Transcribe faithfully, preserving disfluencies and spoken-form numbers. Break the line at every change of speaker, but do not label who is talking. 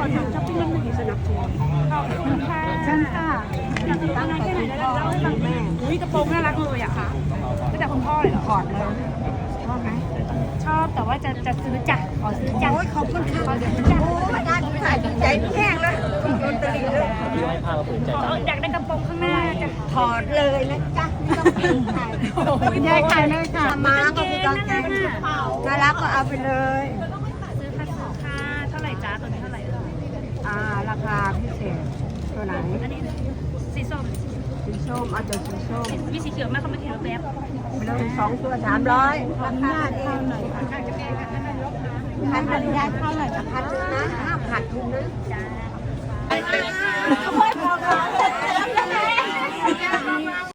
อทำช้อปปิ้งแล้วไม่สนับสนุนขอบคุณค่ะเชิญค่ะอยากตั้งใจแค่ไหนแล้วเล่าให้ฟังแม่อุ้ยกระโปรงน่ารักเลยอะค่ะก็แต่คุณพ่อเลยเหรอถอดเลยชอบไหมชอบแต่ว่าจะจะซื้อจ้ะขอซื้อจ้ะโอ้ยขอบคุณค่ะขอซื้อจ้ะโอ้ยได้ถ่ายใจแห้งเลยโดนตรีเลยอยากได้กระโปรงข้างหน้าจ้ะถอดเลยนะจ๊ะไม่ต้องซื้อใครยายขายเลยค่ะมาก็คือกางเกงน่ารักก็เอาไปเลยซื้อค่ะค่ะเท่าไหร่จ้าตัวนี้เท่าไหร่อ่าราคาพิเศษตัวไหนอันนี้สีส้มสีส้มเอาตัวสีส้มมีสีเขียวไหมเขาไม่เขียวแบบไปเลยสองตัวสามร้อยราคาเองหน่อยค่ะจะแก้กันนั่นลบนะขาดทุนยายเข้าหน่อยขาดทุนนะห้ามขาดทุนนะจ้า